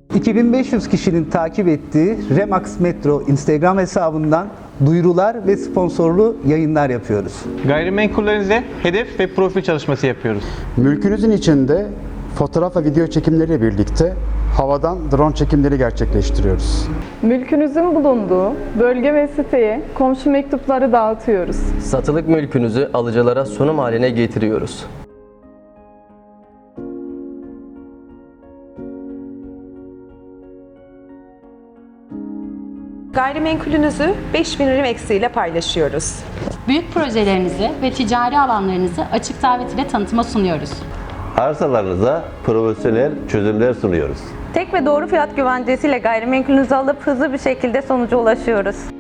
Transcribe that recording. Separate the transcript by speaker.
Speaker 1: 2500 kişinin takip ettiği Remax Metro Instagram hesabından duyurular ve sponsorlu yayınlar yapıyoruz.
Speaker 2: Gayrimenkullerinize hedef ve profil çalışması yapıyoruz.
Speaker 3: Mülkünüzün içinde fotoğraf ve video çekimleriyle birlikte havadan drone çekimleri gerçekleştiriyoruz.
Speaker 4: Mülkünüzün bulunduğu bölge ve siteye komşu mektupları dağıtıyoruz.
Speaker 5: Satılık mülkünüzü alıcılara sunum haline getiriyoruz.
Speaker 6: Gayrimenkulünüzü 5000 Remax ile paylaşıyoruz.
Speaker 7: Büyük projelerinizi ve ticari alanlarınızı açık davet ile tanıtıma sunuyoruz.
Speaker 8: Arsalarınıza profesyonel çözümler sunuyoruz.
Speaker 9: Tek ve doğru fiyat güvencesiyle gayrimenkulünüzü alıp hızlı bir şekilde sonuca ulaşıyoruz.